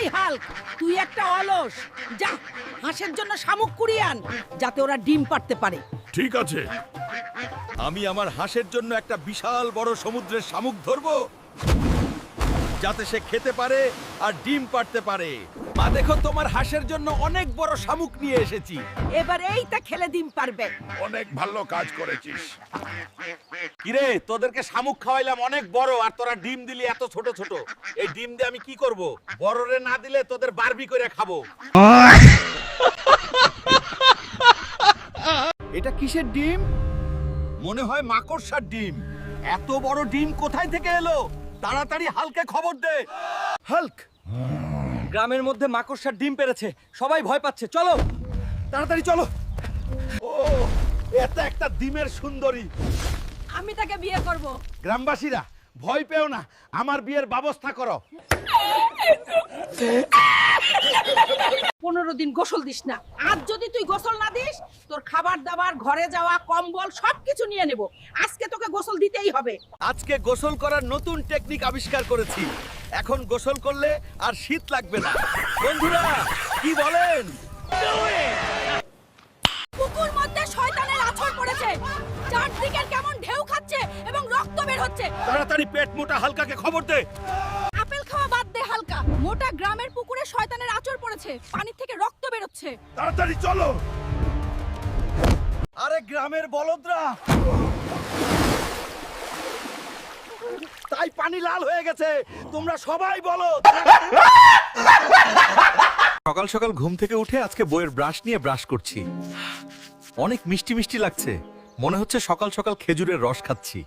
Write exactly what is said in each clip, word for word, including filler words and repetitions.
Hulk, তুই একটা অলস। যা হাঁসের জন্য শামুক কুড়িয়ে আন, যাতে ওরা ডিম পাড়তে পারে। ঠিক আছে, আমি আমার হাঁসের জন্য একটা বিশাল বড় সমুদ্রের শামুক ধরবো, যাতে সে খেতে পারে আর ডিম পাড়তে পারে। মা দেখো, তোমার হাঁসের জন্য অনেক বড় শামুক নিয়ে এসেছি। এবার এইটা খেলে ডিম পারবে। অনেক ভালো কাজ করেছিস। কিরে, তোদেরকে শামুক খাওয়াইলাম অনেক বড়, আর তোরা ডিম দিলি এত ছোট ছোট। এই ডিম দিয়ে আমি কি করব? বড়রে না দিলে তোদের বারবি করে খাবো। এটা কিসের ডিম? মনে হয় মাকড়সার ডিম। এত বড় ডিম কোথায় থেকে এলো? তাড়াতাড়ি হালকে খবর দে। হাল্ক, গ্রামের মধ্যে মাকড়সার ডিম পেরেছে, সবাই ভয় পাচ্ছে, চলো তাড়াতাড়ি চলো। ও, এটা একটা ডিমের সুন্দরী। আমি তাকে বিয়ে করব। গ্রামবাসীরা, ভয় পেও না, আমার বিয়ের ব্যবস্থা করো। পনেরো দিন গোসল দিস না। আজ যদি তুই গোসল না দিস, তোর খাবার দাবার, ঘরে যাওয়া, কম্বল সবকিছু নিয়ে নেব। আজকে তোকে গোসল দিতেই হবে। আজকে গোসল করার নতুন টেকনিক আবিষ্কার করেছি। এখন গোসল করলে আর শীত লাগবে না। বন্ধুরা, কি বলেন? পুকুর মধ্যে শয়তানের আছর পড়েছে। চারদিকের কেমন ঢেউ খাচ্ছে এবং রক্ত বের হচ্ছে। তাড়াতাড়ি পেট মোটা হালকাকে খবর দে। আপেল খাওয়া বাদ দে হালকা। মোটা গ্রামের পুকুরে শয়তানের আছর পড়েছে, পানি থেকে রক্ত বের হচ্ছে। তাড়াতাড়ি চলো। আরে গ্রামের বলদরা, তাই পানি লাল হয়ে গেছে। তোমরা সবাই বলো। সকাল সকাল ঘুম থেকে উঠে আজকে বইয়ের ব্রাশ নিয়ে ব্রাশ করছি। অনেক মিষ্টি মিষ্টি লাগছে, মনে হচ্ছে সকাল সকাল খেজুরের রস খাচ্ছি।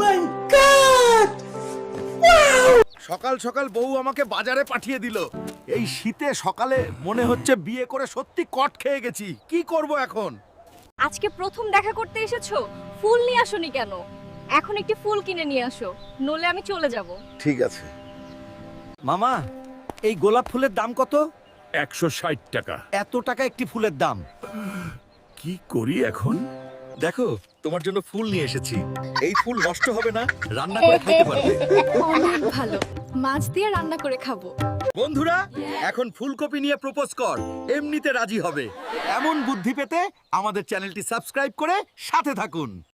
সকাল সকাল বউ আমাকে বাজারে পাঠিয়ে দিল। এই শীতে সকালে মনে হচ্ছে বিয়ে করে সত্যি কট খেয়ে গেছি। কি করব এখন? আজকে প্রথম দেখা করতে এসেছো, ফুল নিয়ে আসোনি কেন? এখন একটি ফুল কিনে নিয়ে আসো, নলে আমি চলে যাব। ঠিক আছে। মামা, এই গোলাপ ফুলের দাম কত? একশো ষাট টাকা। এত টাকা একটি ফুলের দাম? কি করি এখন? দেখো, তোমার জন্য ফুল নিয়ে এসেছি। এই ফুল নষ্ট হবে না, রান্না করে খাইতে পারবে। অনেক ভালো, মাছ দিয়ে রান্না করে খাবো। বন্ধুরা, এখন ফুলকপি নিয়ে প্রপোজ কর, এমনিতে রাজি হবে। এমন বুদ্ধি পেতে আমাদের চ্যানেলটি সাবস্ক্রাইব করে সাথে থাকুন।